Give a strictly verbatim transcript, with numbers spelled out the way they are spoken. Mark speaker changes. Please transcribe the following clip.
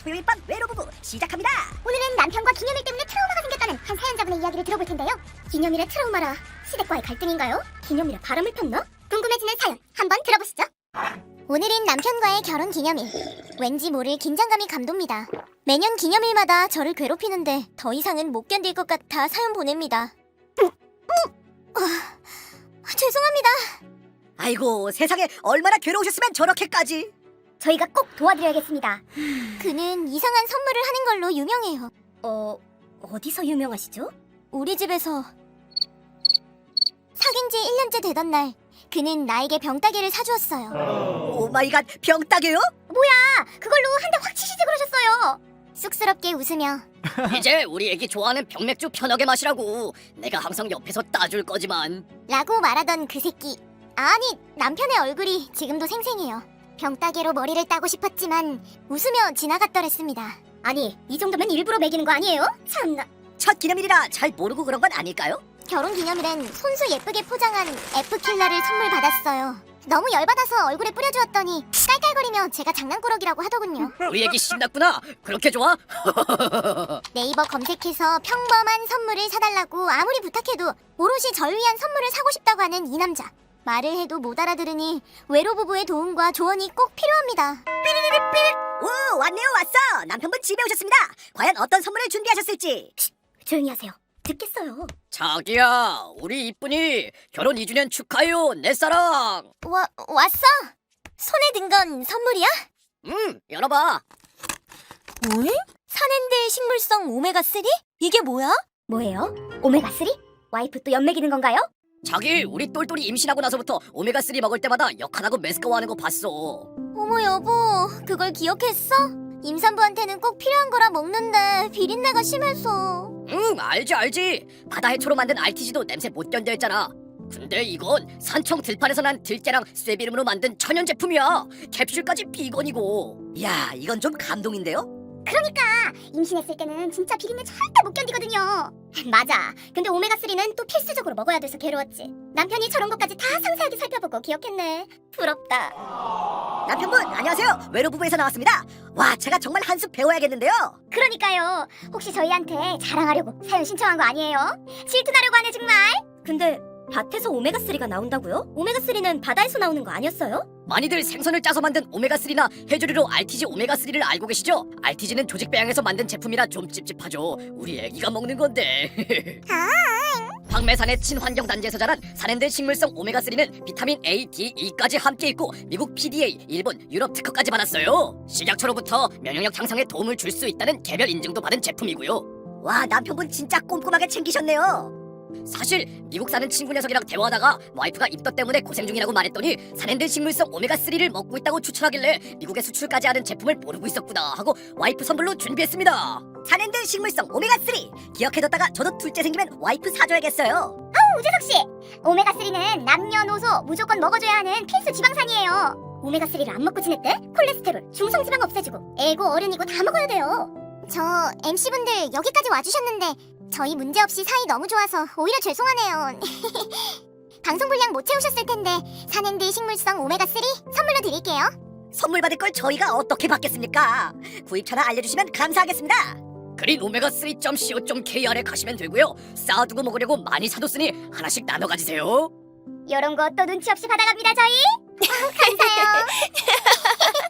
Speaker 1: 토요일 밤 외로부부 시작합니다.
Speaker 2: 오늘은 남편과 기념일 때문에 트라우마가 생겼다는 한 사연자분의 이야기를 들어볼 텐데요. 기념일의 트라우마라 시댁과의 갈등인가요? 기념일에 바람을 폈나? 궁금해지는 사연 한번 들어보시죠. 오늘은 남편과의 결혼 기념일. 왠지 모를 긴장감이 감돕니다. 매년 기념일마다 저를 괴롭히는데 더 이상은 못 견딜 것 같아 사연 보냅니다. 어, 어, 죄송합니다.
Speaker 1: 아이고 세상에 얼마나 괴로우셨으면 저렇게까지.
Speaker 2: 저희가 꼭 도와드려야겠습니다. 그는 이상한 선물을 하는 걸로 유명해요. 어... 어디서 유명하시죠? 우리 집에서. 사귄 지 일 년째 되던 날 그는 나에게 병따개를 사주었어요.
Speaker 1: 오마이갓 병따개요?
Speaker 2: 뭐야, 그걸로 한 대 확 치시지 그러셨어요. 쑥스럽게 웃으며
Speaker 3: 이제 우리 애기 좋아하는 병맥주 편하게 마시라고. 내가 항상 옆에서 따줄 거지만.
Speaker 2: 라고 말하던 그 새끼. 아니, 남편의 얼굴이 지금도 생생해요. 병따개로 머리를 따고 싶었지만 웃으며 지나갔더랬습니다. 아니, 이 정도면 일부러 매기는 거 아니에요? 참나.
Speaker 1: 첫 기념일이라 잘 모르고 그런 건 아닐까요?
Speaker 2: 결혼 기념일엔 손수 예쁘게 포장한 F킬러를 선물 받았어요. 너무 열받아서 얼굴에 뿌려주었더니 깔깔거리며 제가 장난꾸러기라고 하더군요.
Speaker 3: 우리 애기 신났구나. 그렇게 좋아?
Speaker 2: 네이버 검색해서 평범한 선물을 사달라고 아무리 부탁해도 오롯이 절 위한 선물을 사고 싶다고 하는 이 남자. 말을 해도 못 알아들으니 외로부부의 도움과 조언이 꼭 필요합니다.
Speaker 1: 오 왔네요 왔어. 남편분 집에 오셨습니다. 과연 어떤 선물을 준비하셨을지.
Speaker 2: 조용히 하세요. 듣겠어요.
Speaker 3: 자기야, 우리 이쁜이 결혼 이 주년 축하해요, 내 사랑.
Speaker 2: 와, 왔어? 손에 든 건 선물이야?
Speaker 3: 음, 열어봐.
Speaker 2: 응? 산엔드 식물성 오메가삼? 이게 뭐야? 뭐예요? 오메가삼? 와이프 또 연맥이는 건가요?
Speaker 3: 자기, 우리 똘똘이 임신하고 나서부터 오메가삼 먹을 때마다 역하다고 메스꺼워하는 거 봤어.
Speaker 2: 어머 여보, 그걸 기억했어? 임산부한테는 꼭 필요한 거라 먹는데 비린내가 심해서.
Speaker 3: 응, 알지 알지. 바다 해초로 만든 알티지도 냄새 못 견뎌 했잖아. 근데 이건 산청 들판에서 난 들깨랑 쇠비름으로 만든 천연 제품이야. 캡슐까지 비건이고.
Speaker 1: 이야 이건 좀 감동인데요?
Speaker 2: 그러니까 임신했을 때는 진짜 비린내 절대 못 견디거든요. 맞아. 근데 오메가삼은 또 필수적으로 먹어야 돼서 괴로웠지. 남편이 저런 것까지 다 상세하게 살펴보고 기억했네. 부럽다.
Speaker 1: 남편분 안녕하세요. 외로부부에서 나왔습니다. 와 제가 정말 한 수 배워야겠는데요.
Speaker 2: 그러니까요. 혹시 저희한테 자랑하려고 사연 신청한 거 아니에요? 질투나려고 하네 정말. 근데 밭에서 오메가삼가 나온다고요? 오메가삼은 바다에서 나오는 거 아니었어요?
Speaker 3: 많이들 생선을 짜서 만든 오메가삼이나 해조류로 알티지 오메가삼을 알고 계시죠? 알티지는 조직 배양에서 만든 제품이라 좀 찝찝하죠. 우리 애기가 먹는 건데. 황매산의 친환경 단지에서 자란 산엔드 식물성 오메가삼은 비타민 A, D, E까지 함께 있고 미국 피디에이, 일본, 유럽 특허까지 받았어요. 식약처로부터 면역력 향상에 도움을 줄 수 있다는 개별 인증도 받은 제품이고요.
Speaker 1: 와 남편분 진짜 꼼꼼하게 챙기셨네요.
Speaker 3: 사실 미국 사는 친구 녀석이랑 대화하다가 와이프가 입덧 때문에 고생 중이라고 말했더니 산엔드 식물성 오메가삼을 먹고 있다고 추천하길래 미국에 수출까지 하는 제품을 모르고 있었구나 하고 와이프 선물로 준비했습니다.
Speaker 1: 산엔드 식물성 오메가삼 기억해뒀다가 저도 둘째 생기면 와이프 사줘야겠어요.
Speaker 2: 우재석씨, 오메가삼은 남녀노소 무조건 먹어줘야 하는 필수 지방산이에요. 오메가삼을 안 먹고 지냈대? 콜레스테롤, 중성지방 없애주고 애고 어른이고 다 먹어야 돼요. 저 엠씨분들 여기까지 와주셨는데 저희 문제없이 사이 너무 좋아서 오히려 죄송하네요. 방송 분량 못 채우셨을 텐데 산엔드 식물성 오메가삼 선물로 드릴게요.
Speaker 1: 선물 받을 걸 저희가 어떻게 받겠습니까? 구입처나 알려주시면 감사하겠습니다.
Speaker 3: 그린 오메가삼 점 씨오 점 케이알에 가시면 되고요. 쌓아두고 먹으려고 많이 사뒀으니 하나씩 나눠 가지세요.
Speaker 2: 요런 거 또 눈치 없이 받아갑니다 저희. 감사해요.